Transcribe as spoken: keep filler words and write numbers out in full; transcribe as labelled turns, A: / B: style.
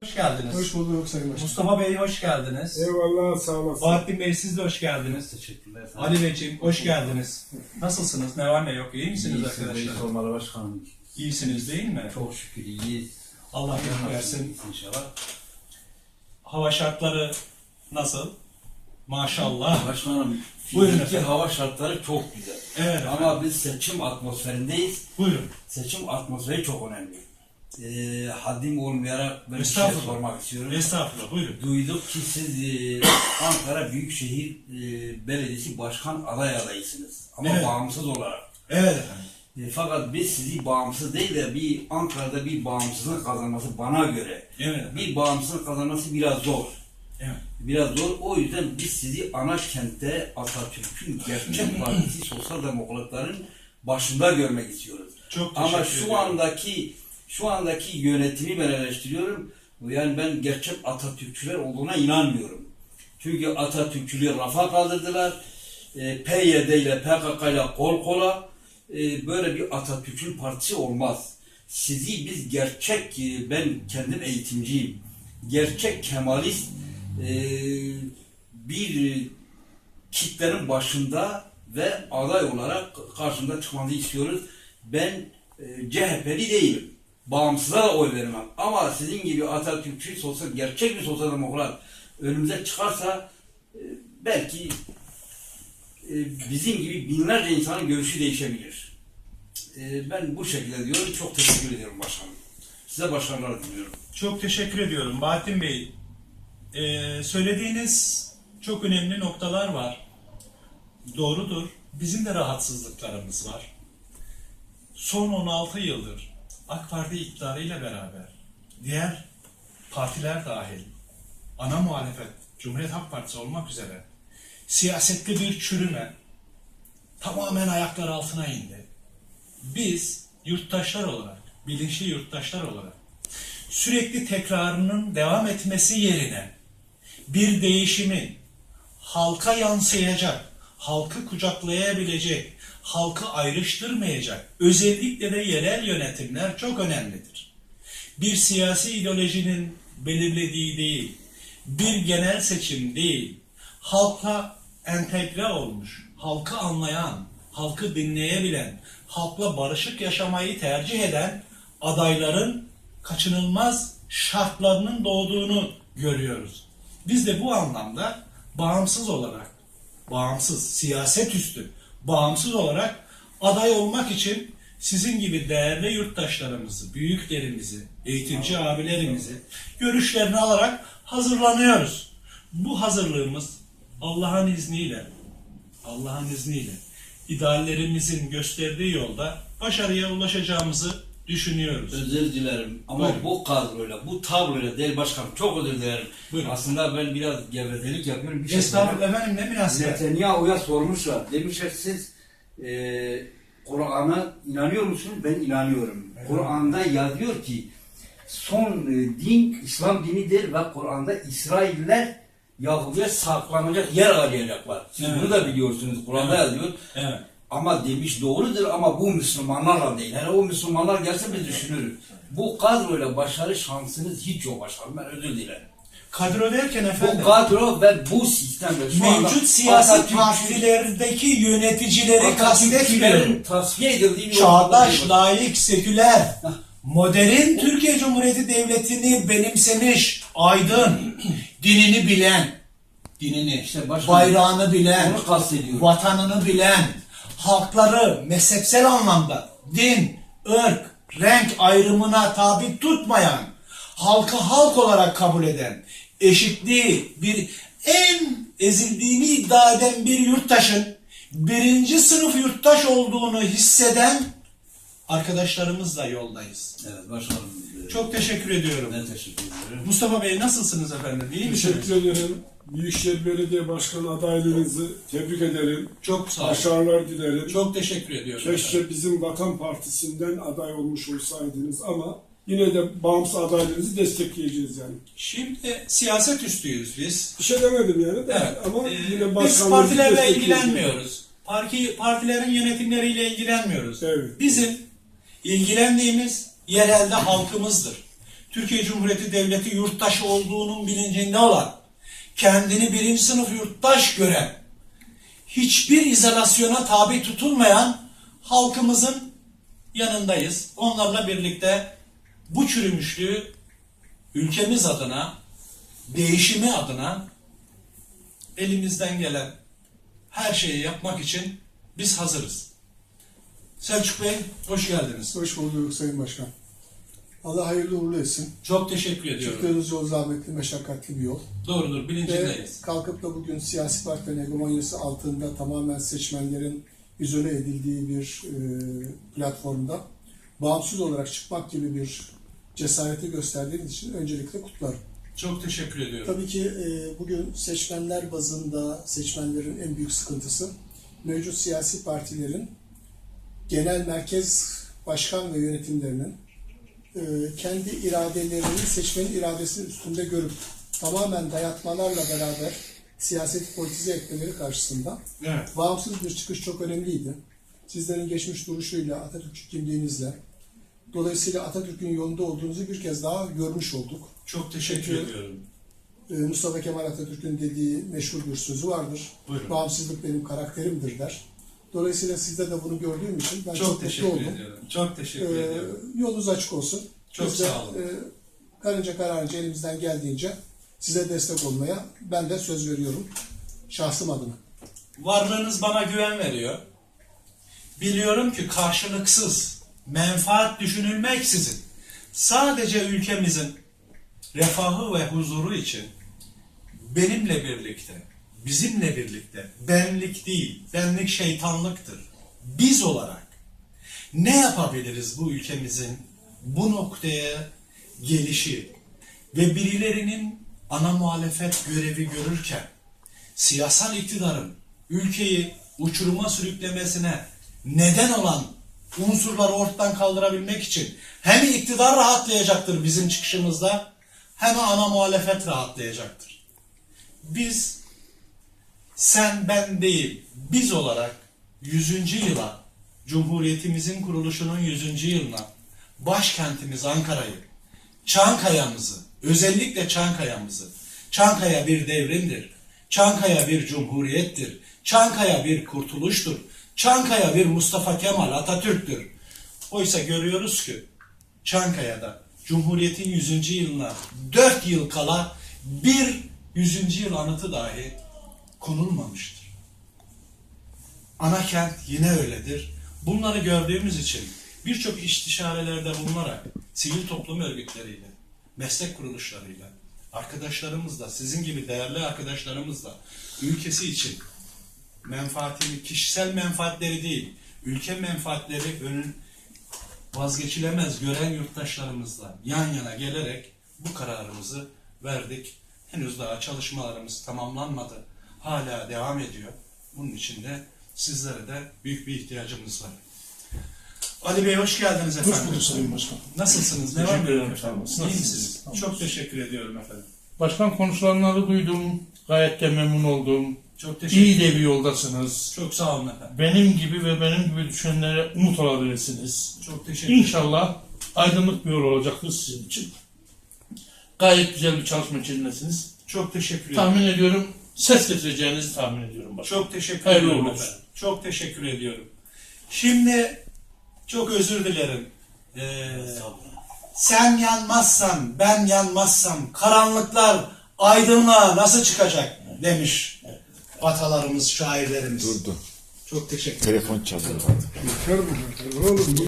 A: Hoş geldiniz.
B: Hoş bulduk Sayın Başkanım.
A: Mustafa Bey hoş geldiniz.
B: Eyvallah, sağ olasın.
A: Bahattin Bey siz de hoş geldiniz.
C: Teşekkürler.
A: Ali Beyciğim hoş geldiniz. Nasılsınız? Ne var ne yok? İyi misiniz
C: İyi,
A: arkadaşlar?
C: sormalı başkanım.
A: İyisiniz değil mi?
C: Çok şükür iyiyiz.
A: Allah iyilik versin.
C: İnşallah.
A: Hava şartları nasıl? Maşallah.
C: Başkanım,
A: Buyurun
C: fiziki
A: efendim.
C: hava şartları çok güzel.
A: Evet
C: Ama
A: efendim.
C: biz seçim atmosferindeyiz.
A: Buyurun.
C: Seçim atmosferi çok önemli. Ee, haddim olmayarak ben bir şey
A: Estağfurullah.
C: sormak istiyorum.
A: Estağfurullah. Buyurun.
C: Duyduk ki siz e, Ankara Büyükşehir e, Belediyesi Başkan aday adaysınız. Ama
A: Evet.
C: bağımsız olarak.
A: Evet efendim.
C: E, fakat biz sizi bağımsız değil de bir Ankara'da bir bağımsızlık kazanması bana göre.
A: Evet efendim.
C: Bir bağımsızlık kazanması biraz zor.
A: Evet.
C: Biraz zor. O yüzden biz sizi ana kentte Atatürk'ün gerçek partisi sosyal demokratların başında görmek istiyoruz.
A: Çok teşekkür
C: Ama
A: ediyorum.
C: şu andaki şu andaki yönetimi ben eleştiriyorum. Yani ben gerçek Atatürkçüler olduğuna inanmıyorum. Çünkü Atatürkçülüğü rafa kaldırdılar. E, P Y D ile P K K ile kol kola e, böyle bir Atatürk'ün partisi olmaz. Sizi biz gerçek, e, ben kendim eğitimciyim. Gerçek Kemalist e, bir e, kitlenin başında ve aday olarak karşımda çıkmanızı istiyoruz. Ben e, C H P'li değilim. Bağımsıza da oy vermem. Ama sizin gibi Atatürkçü, sosyal, gerçek bir sosyal demokrat önümüze çıkarsa e, belki e, bizim gibi binlerce insanın görüşü değişebilir. E, ben bu şekilde diyorum. Çok teşekkür ediyorum başkanım. Size başarılar diliyorum.
A: Çok teşekkür ediyorum Bahattin Bey. Ee, söylediğiniz çok önemli noktalar var. Doğrudur. Bizim de rahatsızlıklarımız var. Son on altı yıldır AK Parti iktidarıyla beraber diğer partiler dahil ana muhalefet Cumhuriyet Halk Partisi olmak üzere siyasette bir çürüme tamamen ayaklar altına indi. Biz yurttaşlar olarak, bilinçli yurttaşlar olarak sürekli tekrarının devam etmesi yerine bir değişimin halka yansıyacak, halkı kucaklayabilecek, halkı ayrıştırmayacak, özellikle de yerel yönetimler çok önemlidir. Bir siyasi ideolojinin belirlediği değil, bir genel seçim değil, halka entegre olmuş, halkı anlayan, halkı dinleyebilen, halkla barışık yaşamayı tercih eden adayların kaçınılmaz şartlarının doğduğunu görüyoruz. Biz de bu anlamda bağımsız olarak, bağımsız, siyaset üstü, bağımsız olarak aday olmak için sizin gibi değerli yurttaşlarımızı, büyüklerimizi, eğitimci abilerimizi görüşlerini alarak hazırlanıyoruz. Bu hazırlığımız Allah'ın izniyle, Allah'ın izniyle ideallerimizin gösterdiği yolda başarıya ulaşacağımızı düşünüyoruz.
C: Özür dilerim ama
A: Buyurun.
C: bu kadroyla, bu tabloyla değil başkanım, çok özür dilerim.
A: Buyurun.
C: Aslında ben biraz gevezelik yapıyorum. Bir şey
A: Estağfurullah efendim, ne münasebet.
C: Netanyahu'ya sormuşlar. Demişler siz e, Kur'an'a inanıyor musunuz? Ben inanıyorum.
A: Evet.
C: Kur'an'da yazıyor ki son e, din İslam dinidir ve Kur'an'da İsrailler Yahudi'ye saklanacak yer arayacaklar. Siz
A: Evet.
C: bunu da biliyorsunuz. Kur'an'da
A: Evet.
C: yazıyor.
A: Evet.
C: Ama demiş doğrudur ama bu Müslümanlarla değil. Yani o Müslümanlar gelse biz düşünürüz. Bu kadroyla başarı şansınız hiç yok başkanım. Ben özür dilerim.
A: Kadro derken efendim,
C: Bu kadro ve bu sistemde şu anda
A: mevcut siyasi
C: Atatürkçü-
A: partilerdeki yöneticileri kastetmiyorum.
C: Atatürkçülerin tasfiye edildiği bir
A: Çağdaş,
C: ortamda
A: layık, seküler, modern Türkiye Cumhuriyeti Devleti'ni benimsemiş, aydın, dinini bilen, dinini,
C: İşte başkanım,
A: bayrağını bilen,
C: onu kastediyorum.
A: vatanını bilen, halkları mezhepsel anlamda din, ırk, renk ayrımına tabi tutmayan, halkı halk olarak kabul eden, eşitliği, bir en ezildiğini iddia eden bir yurttaşın birinci sınıf yurttaş olduğunu hisseden arkadaşlarımızla yoldayız.
C: Evet başkanım. e,
A: Çok teşekkür ediyorum.
C: Ben teşekkür ederim.
A: Mustafa Bey nasılsınız efendim? İyi misiniz?
B: Teşekkür ederim. Büyükşehir Belediye Başkanı adaylığınızı tebrik ederim.
A: Çok sağ olun.
B: Başarılar dilerim.
A: Çok teşekkür ediyorum. efendim.
B: Keşke bizim Vatan Partisi'nden aday olmuş olsaydınız ama yine de bağımsız adaylığınızı destekleyeceğiz yani.
A: Şimdi siyaset üstüyüz biz.
B: Bir şey demedim yani de
A: Evet.
B: ama
A: Ee,
B: yine
A: biz
B: başkanlığınızı
A: partilerle
B: destekleyeceğiz.
A: ilgilenmiyoruz. Parti, partilerin yönetimleriyle ilgilenmiyoruz.
B: Evet.
A: Bizim ilgilendiğimiz yerelde halkımızdır. Türkiye Cumhuriyeti Devleti yurttaşı olduğunun bilincinde olan, kendini birinci sınıf yurttaş gören, hiçbir izolasyona tabi tutulmayan halkımızın yanındayız. Onlarla birlikte bu çürümüşlüğü ülkemiz adına, değişimi adına elimizden gelen her şeyi yapmak için biz hazırız. Selçuk Bey, hoş geldiniz.
D: Hoş bulduk Sayın Başkan. Allah hayırlı uğurlu etsin.
A: Çok teşekkür ediyorum.
D: Çıktığınız yol zahmetli, meşakkatli bir yol.
A: Doğrudur,
D: Ve
A: bilincindeyiz.
D: kalkıp da bugün siyasi partilerin hegemonyası altında tamamen seçmenlerin izole edildiği bir e, platformda bağımsız olarak çıkmak gibi bir cesareti gösterdiğiniz için öncelikle kutlarım.
A: Çok teşekkür ediyorum.
D: Tabii ki e, bugün seçmenler bazında seçmenlerin en büyük sıkıntısı mevcut siyasi partilerin genel merkez başkan ve yönetimlerinin e, kendi iradelerini seçmenin iradesinin üstünde görüp tamamen dayatmalarla beraber siyaseti politize etmeleri karşısında
A: Evet.
D: bağımsız bir çıkış çok önemliydi. Sizlerin geçmiş duruşuyla, Atatürkçü kimliğinizle, dolayısıyla Atatürk'ün yolunda olduğunuzu bir kez daha görmüş olduk.
A: Çok teşekkür
D: Çünkü-
A: ediyorum.
D: Ee, Mustafa Kemal Atatürk'ün dediği meşhur bir sözü vardır.
A: Buyurun.
D: Bağımsızlık benim karakterimdir der. Dolayısıyla sizde de bunu gördüğüm için ben çok,
A: Çok
D: mutlu
A: teşekkür
D: oldum.
A: ediyorum. Çok teşekkür
D: Ee,
A: ediyorum.
D: yolunuz açık olsun.
A: Çok
D: Biz de,
A: sağ olun.
D: E, karınca kararınca elimizden geldiğince size destek olmaya ben de söz veriyorum. Şahsım adına.
A: Varlığınız bana güven veriyor. Biliyorum ki karşılıksız, menfaat düşünülmeksizin sadece ülkemizin refahı ve huzuru için benimle birlikte, bizimle birlikte, benlik değil, benlik şeytanlıktır. Biz olarak ne yapabiliriz bu ülkemizin bu noktaya gelişi ve birilerinin ana muhalefet görevi görürken siyasal iktidarın ülkeyi uçuruma sürüklemesine neden olan unsurları ortadan kaldırabilmek için hem iktidar rahatlayacaktır bizim çıkışımızda hem ana muhalefet rahatlayacaktır. Biz, sen ben değil, biz olarak yüzüncü yıla, Cumhuriyetimizin kuruluşunun yüzüncü yılına, başkentimiz Ankara'yı, Çankaya'mızı, özellikle Çankaya'mızı, Çankaya bir devrimdir, Çankaya bir cumhuriyettir, Çankaya bir kurtuluştur, Çankaya bir Mustafa Kemal Atatürk'tür. Oysa görüyoruz ki Çankaya'da Cumhuriyet'in yüzüncü yılına dört yıl kala bir yüzüncü yıl anıtı dahi konulmamıştır. Ana kent yine öyledir. Bunları gördüğümüz için birçok istişarelerde bulunarak sivil toplum örgütleriyle, meslek kuruluşlarıyla, arkadaşlarımızla, sizin gibi değerli arkadaşlarımızla ülkesi için menfaatini, kişisel menfaatleri değil, ülke menfaatleri önün vazgeçilemez gören yurttaşlarımızla yan yana gelerek bu kararımızı verdik. Henüz daha çalışmalarımız tamamlanmadı. Hala devam ediyor. Bunun için de sizlere de büyük bir ihtiyacımız var. Ali Bey hoş geldiniz efendim.
E: Hoş bulduk Sayın Başkan.
A: Nasılsınız? Ne var
E: Teşekkür
A: mı?
E: ederim, sağ olun.
A: İyi
E: Nasılsınız?
A: misiniz?
E: Tamam.
A: Çok teşekkür ediyorum efendim.
E: Başkan konuşulanları duydum. Gayet de memnun oldum.
A: Çok teşekkür
E: İyi
A: ederim.
E: de bir yoldasınız.
A: Çok sağ olun efendim.
E: Benim gibi ve benim gibi düşünenlere umut olabilirsiniz.
A: Çok teşekkür ederim.
E: İnşallah aydınlık bir yol olacaktır sizin için. Gayet güzel bir çalışma içindesiniz.
A: Çok teşekkür ederim.
E: Tahmin ediyorum ses getireceğinizi tahmin ediyorum başkan.
A: Çok teşekkür
E: Hayırlı
A: ediyorum
E: olsun.
A: efendim. Çok teşekkür ediyorum. Şimdi çok özür dilerim. Ee, sen yanmazsan, ben yanmazsam karanlıklar aydınlığa nasıl çıkacak demiş atalarımız, şairlerimiz.
F: Durdu.
A: Çok teşekkür ederim.
F: Telefon çalıyor.
B: Yeter bu kadar oğlum.